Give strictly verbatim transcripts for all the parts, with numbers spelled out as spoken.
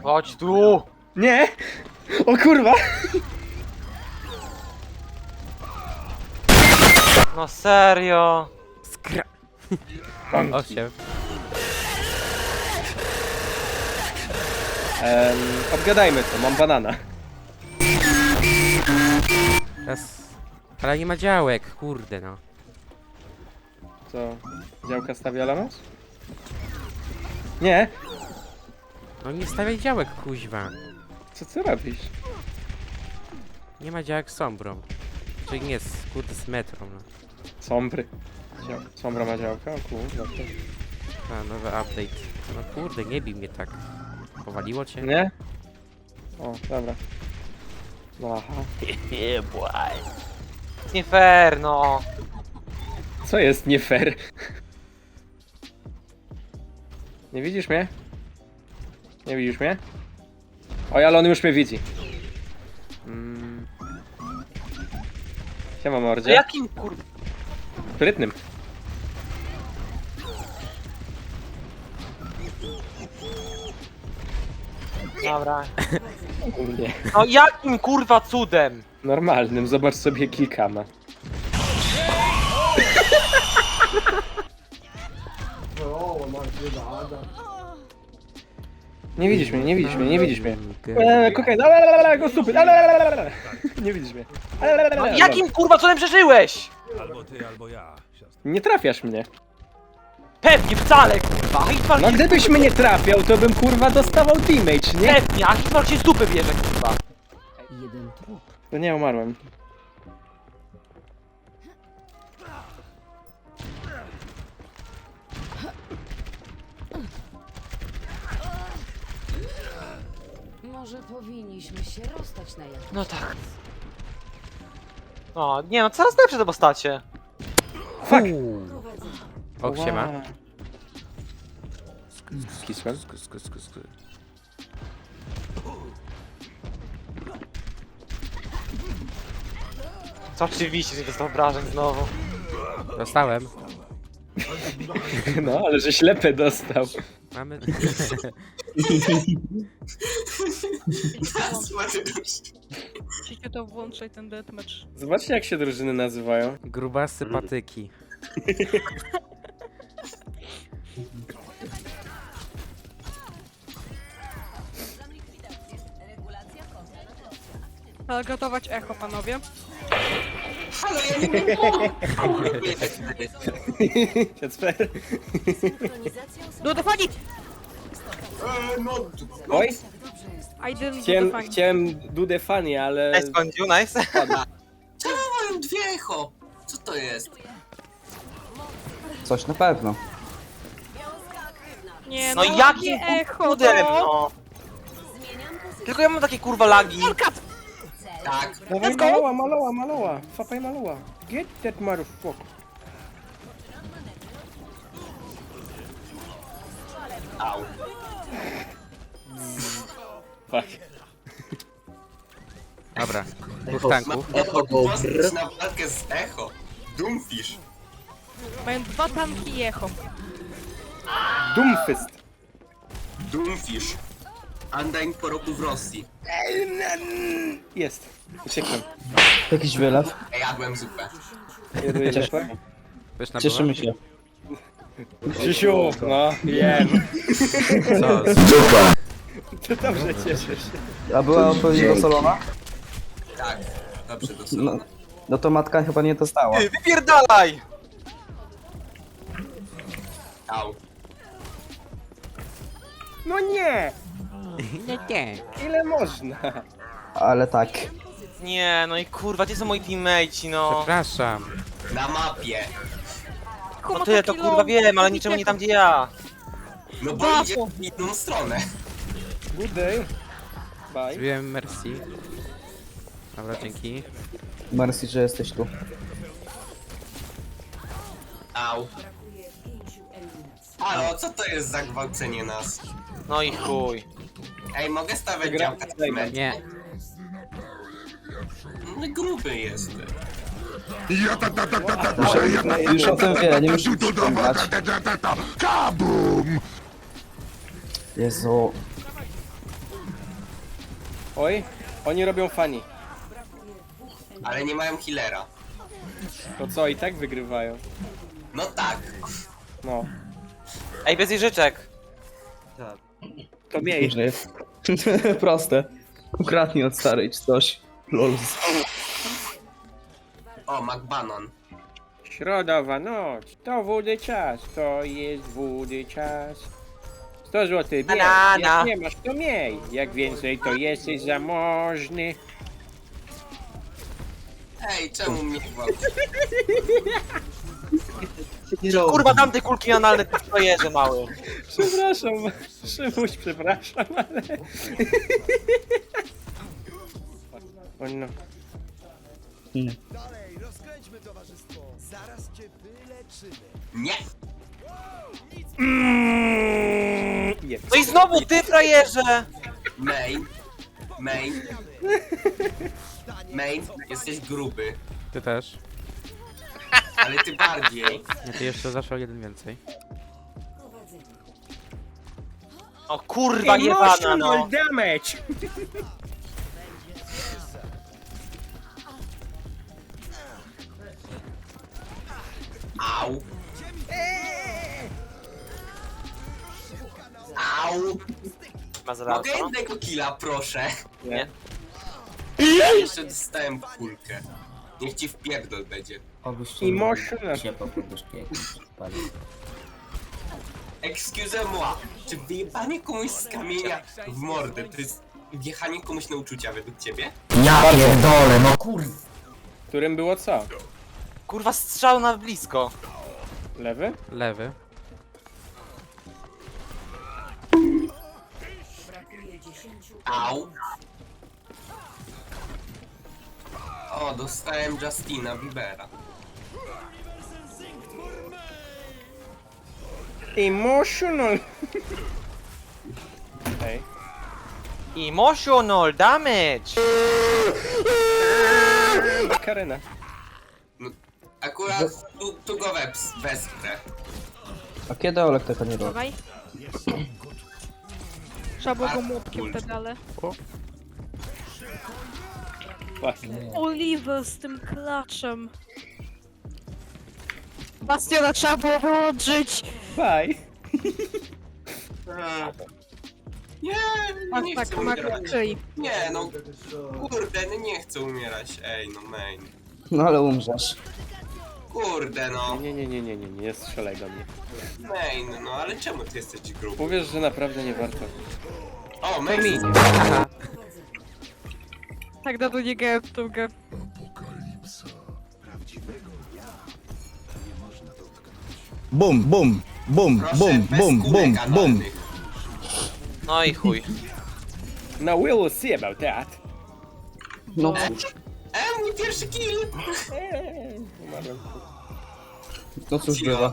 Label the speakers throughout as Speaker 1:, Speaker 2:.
Speaker 1: Chodź tu!
Speaker 2: Nie! O kurwa!
Speaker 1: No serio!
Speaker 3: Skra...
Speaker 2: Mam
Speaker 3: Osiem.
Speaker 2: Em, obgadajmy to, mam banana.
Speaker 3: Teraz... Ale nie ma działek, kurde no.
Speaker 2: Co? Działka stawia lamus? Nie!
Speaker 3: No nie stawiaj działek, kuźwa.
Speaker 2: Co ty robisz?
Speaker 3: Nie ma działek z sombrą. Czyli nie, z, kurde, z metrą, no.
Speaker 2: Sombry. Dział... Sombra ma działka? O kurwa. to-
Speaker 3: A, nowy update. No kurde, nie bij mnie tak. Powaliło cię?
Speaker 2: Nie? O, dobra. No aha.
Speaker 1: Nie, błaj. Jest nie fair, no.
Speaker 2: Co jest nie fair? Nie widzisz mnie? Nie widzisz mnie? Oj, ale on już mnie widzi. Mm. Siema
Speaker 1: To
Speaker 2: mordzie.
Speaker 1: jakim kur...
Speaker 2: Sprytnym.
Speaker 1: Dobra.
Speaker 2: Nie.
Speaker 1: No jakim kurwa cudem?
Speaker 2: Normalnym, zobacz sobie kilkama. Nie widzisz mnie, nie widzisz mnie, nie widzisz mnie. Eee, kokaina, lalalala, go stupid, lalalala. Nie widzisz mnie.
Speaker 1: No jakim kurwa cudem przeżyłeś?
Speaker 4: Albo ty, albo ja, siostra.
Speaker 2: Nie trafiasz mnie.
Speaker 1: Pewnie, wcale kurwa. Hitmark
Speaker 2: No
Speaker 1: ci-
Speaker 2: gdybyś mnie trafiał, to bym kurwa dostawał damage, nie?
Speaker 1: Pewnie, a Hitmark się z dupy bierze kurwa.
Speaker 5: Jeden trup.
Speaker 2: No nie, umarłem.
Speaker 5: Może powinniśmy się rozstać na jakiś
Speaker 1: No tak. O, nie no, coraz lepsze te postacie.
Speaker 2: Fuck!
Speaker 3: O, siema.
Speaker 2: Wow. Skisłem.
Speaker 3: Sk- sk- sk- sk-
Speaker 1: Co oczywiście, że dostał obrażeń znowu.
Speaker 3: Dostałem.
Speaker 2: No, ale że ślepy dostał.
Speaker 3: Mamy...
Speaker 6: Musicie to włączać ten deathmatch.
Speaker 2: Zobaczcie jak się drużyny nazywają.
Speaker 3: Grubasy patyki.
Speaker 6: Ale gotować echo, panowie.
Speaker 2: Kacper.
Speaker 6: Do defani!
Speaker 2: Oj,
Speaker 6: I didn't do
Speaker 2: chciałem,
Speaker 6: defani.
Speaker 2: chciałem do the funny, ale...
Speaker 1: Nice, Kondziu, nice.
Speaker 7: Czemu dwie echo? Co to jest?
Speaker 8: Coś na pewno.
Speaker 6: Nie
Speaker 1: No
Speaker 6: no,
Speaker 1: jakim
Speaker 6: jakie echo,
Speaker 1: cudem,
Speaker 6: no!
Speaker 1: no. Tylko ja mam takie kurwa lagi.
Speaker 7: Tak.
Speaker 2: Dawaj maloła, maloła, maloła. Fapaj maloła. Get that motherfucker.
Speaker 7: Au.
Speaker 2: Fuck.
Speaker 3: Dobra, dwóch tanków.
Speaker 7: Echo postać na walkę z echo. Doomfish.
Speaker 6: Mają dwa tanki i echo.
Speaker 2: Doomfist.
Speaker 7: Doomfish. Undying po roku w Rosji.
Speaker 2: Jest. Uciekłem.
Speaker 8: Jakiś wylew.
Speaker 7: Ej, jadłem zupę.
Speaker 2: Jeduję zupę.
Speaker 3: Wiesz na
Speaker 8: Cieszymy się.
Speaker 2: Krzysiu, no, wiem.
Speaker 3: Co?
Speaker 2: Ty dobrze cieszysz się.
Speaker 8: A była odpowiednio dosolona?
Speaker 7: Tak. Dobrze, dosyć.
Speaker 8: No, no to matka chyba nie dostała.
Speaker 1: Ty, wypierdalaj!
Speaker 7: Au.
Speaker 2: No nie!
Speaker 3: Nie, nie.
Speaker 2: Ile można?
Speaker 8: Ale tak.
Speaker 1: Nie, no i kurwa, gdzie są moi teammateci, no.
Speaker 3: Przepraszam.
Speaker 7: Na mapie.
Speaker 1: No tyle to kurwa wiem, ale niczemu nie tam gdzie ja.
Speaker 7: No bo
Speaker 6: Bafo.
Speaker 7: idzie w inną stronę.
Speaker 2: Good day. Bye.
Speaker 3: Zrobiłem mercy. Dobra, dzięki.
Speaker 8: Mercy, że jesteś tu.
Speaker 7: Au. Halo, co to jest za gwałcenie nas?
Speaker 1: No i chuj.
Speaker 7: Ej, mogę stawiać
Speaker 2: Gra-
Speaker 7: działka na mecz?
Speaker 3: Nie.
Speaker 7: No gruby jest.
Speaker 8: Już o tym wie, nie musisz przypominać. Jezu.
Speaker 2: Oj, oni robią funny.
Speaker 7: Ale nie mają healera.
Speaker 2: To co, i tak wygrywają?
Speaker 7: No tak.
Speaker 2: No,
Speaker 1: Ej, bez jeżyczek.
Speaker 2: to miej.
Speaker 8: Że jest. Proste. Ukradnij od starej czy coś. Lol.
Speaker 7: O, McBanon.
Speaker 2: Środowa noc, to wody czas, to jest wody czas. sto złotych, bierz,
Speaker 1: Banana.
Speaker 2: jak nie masz to miej, jak więcej to jesteś zamożny.
Speaker 7: Ej, czemu mnie gwałci?
Speaker 1: Kurwa, dam te kulki analne, ty frajerze mały.
Speaker 2: Przepraszam, Szymuś, przepraszam, ale... O no.
Speaker 8: Hmm.
Speaker 7: Nie.
Speaker 2: Jest.
Speaker 1: No i znowu ty frajerze!
Speaker 7: Main. Main. Main, jesteś gruby.
Speaker 3: Ty też.
Speaker 7: Ale ty bardziej.
Speaker 3: Nie, ty jeszcze zawsze o jeden więcej.
Speaker 1: O kurwa jebana no.
Speaker 2: Emotional damage!
Speaker 7: Au. Au.
Speaker 1: Ma zaraz,
Speaker 7: Mogę
Speaker 1: no?
Speaker 7: jednego killa, proszę.
Speaker 1: Nie.
Speaker 7: Ja jeszcze dostałem kulkę. Niech ci wpierdol będzie.
Speaker 2: Emotional.
Speaker 7: Excusez-moi, czy wyjebanie komuś z kamienia w mordę to jest wjechanie komuś na uczucia według ciebie?
Speaker 9: Ja pierdolę, no kurwa.
Speaker 2: Którym było co?
Speaker 1: Kurwa strzał na blisko.
Speaker 2: Lewy?
Speaker 3: Lewy.
Speaker 7: Au. O, dostałem Justina Biebera.
Speaker 2: Emotional. Ej.
Speaker 1: Emotional damage!
Speaker 2: Karena.
Speaker 7: Akurat tu, tu go wes- wesprę.
Speaker 8: A kiedy Olek tego nie robi?
Speaker 6: Dawaj. Trzeba było go młotkiem pedale.
Speaker 2: Fuck.
Speaker 6: Oliver z tym klaczem. Bastiona trzeba było wyłączyć.
Speaker 2: Bye.
Speaker 7: Eee. Nie,
Speaker 6: Tak,
Speaker 7: nie
Speaker 6: tak,
Speaker 7: chcę
Speaker 6: Mac
Speaker 7: umierać.
Speaker 6: Tree.
Speaker 7: Nie, no kurde, no nie chcę umierać. Ej, no main.
Speaker 8: No ale umrzesz.
Speaker 7: Kurde, no.
Speaker 2: Nie, nie, nie, nie, nie, nie strzelaj do mnie.
Speaker 7: Main, no ale czemu ty jesteś gruby?
Speaker 2: Powiesz, że naprawdę nie warto.
Speaker 7: O, main.
Speaker 6: Tak dawno nie grałem w tą grę.
Speaker 9: Bum, bum, bum,
Speaker 7: Proszę,
Speaker 9: bum,
Speaker 7: bez
Speaker 9: bum,
Speaker 7: kulek
Speaker 9: bum, bum.
Speaker 7: analnych.
Speaker 1: No i chuj.
Speaker 2: Now we'll see about that.
Speaker 8: No cóż.
Speaker 7: E, mój pierwszy kill!
Speaker 2: Eee, umarłem.
Speaker 8: No cóż bywa.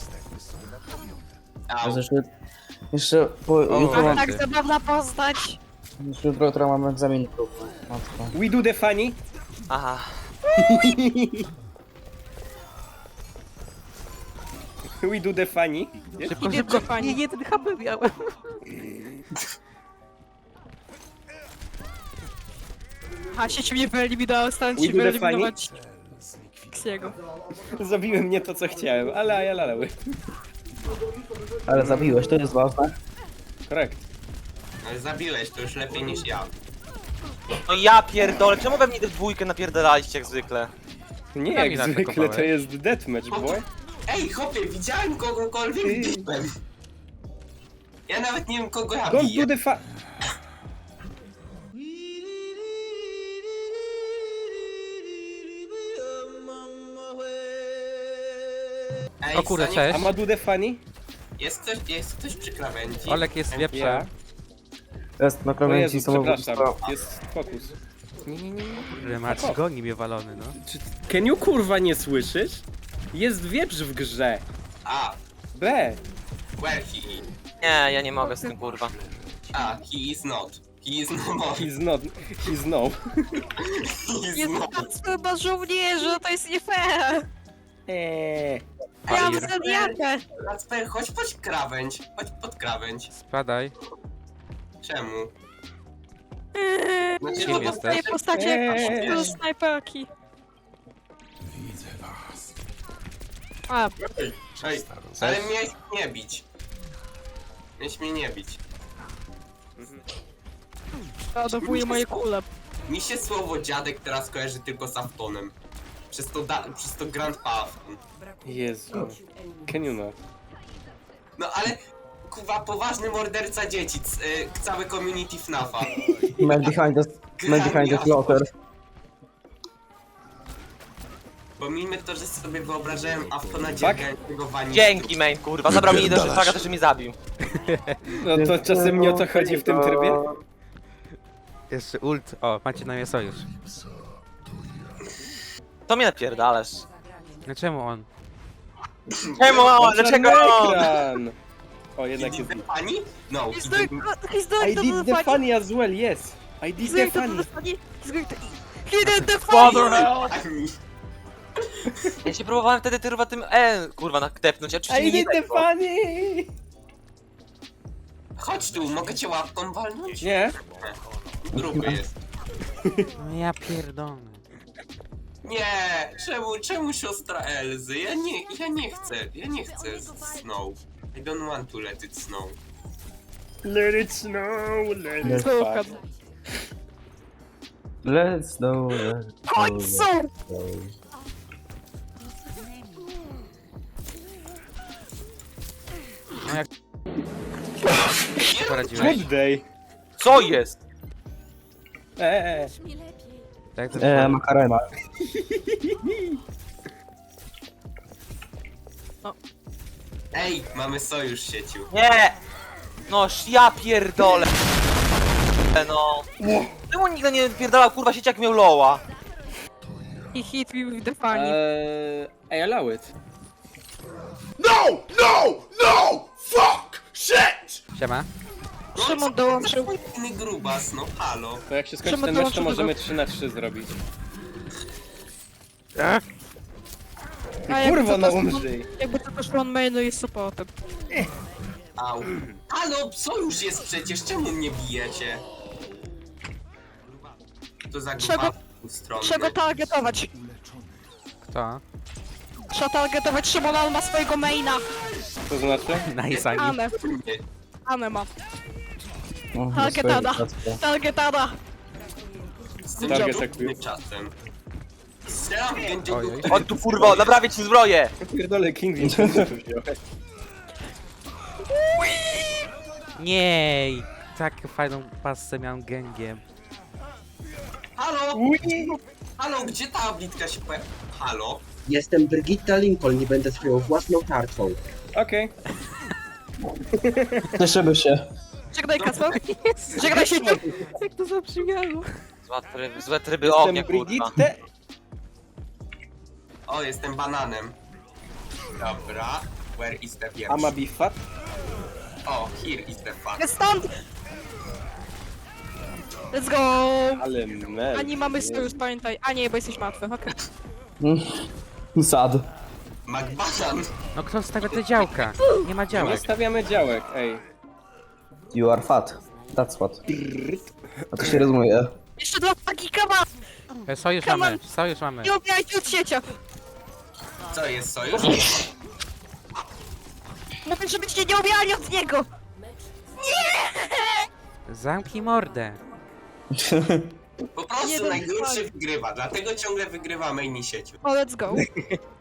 Speaker 7: Au.
Speaker 8: Jeszcze, jeszcze po jutro mam,
Speaker 6: Tak zabawna postać.
Speaker 8: jeszcze jutro, jutro mam egzamin próbny. Matko.
Speaker 2: We do the funny.
Speaker 1: Aha.
Speaker 2: We do the funny.
Speaker 3: Szybko, szybko.
Speaker 6: Nie, jeden H P miałem. A sieć mnie wyeliminowała, stałem
Speaker 2: We
Speaker 6: się
Speaker 2: do the
Speaker 6: wyeliminować Xiego.
Speaker 2: Zabiłem nie to, co chciałem, ale ajalaleły.
Speaker 8: Ale zabiłeś, to jest ważne.
Speaker 2: Korrekt.
Speaker 7: Ale zabiłeś, to już lepiej niż ja.
Speaker 1: No ja pierdolę, czemu we mnie tę dwójkę napierdalaliście jak zwykle?
Speaker 2: Nie,
Speaker 3: Kamila
Speaker 2: jak zwykle
Speaker 3: atakowałeś.
Speaker 2: to jest deathmatch, boy.
Speaker 7: Ej, chłopie, widziałem kogokolwiek
Speaker 2: Ty.
Speaker 7: biłem. Ja nawet nie wiem, kogo ja
Speaker 2: Don't
Speaker 7: biję.
Speaker 2: do the fu...
Speaker 7: Ej,
Speaker 3: O kurde,
Speaker 7: Sonic,
Speaker 3: cześć.
Speaker 2: A ma do the funny?
Speaker 7: Jest ktoś, jest ktoś przy krawędzi?
Speaker 3: Olek jest
Speaker 2: Ja.
Speaker 3: wieprzem.
Speaker 8: Jest na
Speaker 2: O
Speaker 8: krawędzi
Speaker 2: Jezu,
Speaker 8: samobójstwa.
Speaker 2: przepraszam. Jest fokus.
Speaker 3: Nie, nie, nie, nie. Marcin goni mnie walony, no.
Speaker 2: Czy Keniu kurwa nie słyszysz? Jest wieprz w grze.
Speaker 7: A,
Speaker 2: B.
Speaker 7: where he is?
Speaker 1: Nie, ja nie mogę z tym kurwa.
Speaker 7: A, he is not. He is no more.
Speaker 2: He's not... He's no.
Speaker 7: He is
Speaker 6: Jest
Speaker 7: no.
Speaker 6: chyba żołnierze, to jest nie fair.
Speaker 2: Eee.
Speaker 6: Ja mam
Speaker 3: Fire.
Speaker 6: zodiakę.
Speaker 7: Kacper, chodź pod krawędź. Chodź pod krawędź.
Speaker 3: Spadaj.
Speaker 7: Czemu? Znaczy,
Speaker 3: Kim
Speaker 7: no,
Speaker 3: jesteś?
Speaker 6: Tej postaci
Speaker 2: Eee.
Speaker 6: jak z snajperki. A,
Speaker 7: Ej, ej, ale miałeś nie bić. Miałeś mnie nie bić.
Speaker 6: ładowuje moje kule.
Speaker 7: Mi się słowo dziadek teraz kojarzy tylko z Aftonem. Przez to, da, przez to Grandpa Afton.
Speaker 2: Jezu. Can you not?
Speaker 7: No ale, kuwa, poważny morderca dzieci, c, y, całe community FNAFa.
Speaker 8: Man behind the, man behind the slaughter.
Speaker 7: Pomijmy to, że sobie wyobrażałem Aftona dziękującego wani.
Speaker 1: Dzięki, main, kurwa. Zabrał mi do szlaga, też mnie zabił.
Speaker 2: No to czasem nie o to chodzi w tym trybie?
Speaker 3: Jeszcze ult. O, macie na mnie sojusz.
Speaker 1: To mnie napierdalasz.
Speaker 3: No czemu on?
Speaker 1: Czemu? Dlaczego?
Speaker 2: Ekran! O,
Speaker 7: He
Speaker 2: jednak
Speaker 7: did
Speaker 2: jest...
Speaker 7: the funny? No, he
Speaker 6: He's
Speaker 7: did
Speaker 6: doing, he's
Speaker 2: I
Speaker 6: doing to
Speaker 2: did
Speaker 6: the
Speaker 2: the
Speaker 6: funny.
Speaker 2: funny as well, yes! I
Speaker 6: He's
Speaker 2: did the
Speaker 6: doing to
Speaker 2: funny!
Speaker 6: the funny. He's going to... He did the funny!
Speaker 7: funny.
Speaker 1: Ja się próbowałem wtedy kurwa tym E, kurwa, naklepnąć. Oczywiście
Speaker 2: I
Speaker 1: nie
Speaker 2: did the
Speaker 1: tego.
Speaker 2: funny!
Speaker 7: Chodź tu, mogę cię łapką walnąć?
Speaker 2: Nie?
Speaker 7: Gruby jest.
Speaker 3: No ja pierdolę.
Speaker 7: Nie, czemu, czemu siostra Elzy? Ja nie, ja nie chcę, ja nie chcę snow. I don't want to let it snow.
Speaker 2: Let it snow, let it
Speaker 6: Słucham.
Speaker 2: fuck.
Speaker 8: Let's go, let's go, let's go.
Speaker 3: No jak... Poradziłeś?
Speaker 2: Good day!
Speaker 1: Co jest?
Speaker 2: Eee,
Speaker 3: Tak to
Speaker 8: Eee, makarena.
Speaker 7: Ej, mamy sojusz sieciu.
Speaker 1: Nie! No, sz- ja pierdolę. No. Czemu nigdy nie pierdalał kurwa sieć jak miał loła?
Speaker 6: He hit me with the funny.
Speaker 2: eee, I allow it.
Speaker 3: Siema.
Speaker 6: Szymon dołączył.
Speaker 7: Inny grubas, no halo.
Speaker 2: To jak się skończy
Speaker 6: Czemu
Speaker 2: ten
Speaker 6: to
Speaker 2: mecz, to
Speaker 6: masz
Speaker 2: możemy
Speaker 6: dużo?
Speaker 2: trzy na trzy zrobić.
Speaker 6: A jakby
Speaker 2: Kurwa,
Speaker 6: co,
Speaker 2: no
Speaker 6: to-
Speaker 2: umrzyj!
Speaker 6: Jakby to też on mainu jest supportem.
Speaker 7: Au. Halo, sojusz jest przecież, czemu mnie bijecie? To za
Speaker 6: Trzeba-
Speaker 7: gruba stronę.
Speaker 6: Trzeba go targetować.
Speaker 3: Kto?
Speaker 6: Trzeba targetować Szymona, on ma swojego maina.
Speaker 2: To znaczy?
Speaker 3: Nice, Ani.
Speaker 6: Anę. Anę ma.
Speaker 8: No,
Speaker 6: Targetada. Targetada.
Speaker 7: Z tym
Speaker 2: Target
Speaker 7: dziadownym
Speaker 2: attack.
Speaker 7: czasem. Strzelam w gędziu,
Speaker 3: Ojej.
Speaker 1: On tu kurwa, naprawię ci zbroję!
Speaker 2: Pierdolę, King Win, co tu wziąłeś?
Speaker 3: Nie! Tak fajną pasę miałem gęgiem.
Speaker 7: Halo! Halo, gdzie ta blitka się pojawia? Halo?
Speaker 10: Jestem Brigitta Lincoln i będę swoją własną tarczą.
Speaker 2: Okej.
Speaker 8: Cieszymy się.
Speaker 6: Żegnaj Kasper. Żegnaj się. Jak to zabrzmiało.
Speaker 1: Złe tryby, złe tryby ognia,
Speaker 2: Jestem
Speaker 1: kurwa.
Speaker 2: Brigitte.
Speaker 7: O, jestem bananem. Dobra. Where is the wieprz?
Speaker 2: Ama be fat.
Speaker 7: O, here is the fun.
Speaker 6: Jest stąd! Let's go!
Speaker 2: Ale mel.
Speaker 6: Ani mamy sojusz, pamiętaj. A nie, bo jesteś martwy, okej.
Speaker 8: Sad.
Speaker 7: McBanan!
Speaker 3: No kto stawia te działka? Nie ma
Speaker 2: Nie
Speaker 3: działek.
Speaker 2: stawiamy działek, ej.
Speaker 8: You are fat. That's what. A to się rozumie.
Speaker 6: Jeszcze dwa paki, come on!
Speaker 3: E, Sojusz
Speaker 6: Come
Speaker 3: mamy,
Speaker 6: on.
Speaker 3: sojusz mamy.
Speaker 6: Nie ubijajcie od siecia!
Speaker 7: Co jest sojusz?
Speaker 6: Mówię, żebyście nie ubijali od niego!
Speaker 3: Zamknij mordę.
Speaker 7: Po prostu
Speaker 6: Jeden
Speaker 7: najgorszy
Speaker 6: fakt.
Speaker 7: wygrywa, dlatego ciągle wygrywamy inni sieciu.
Speaker 6: O, let's go.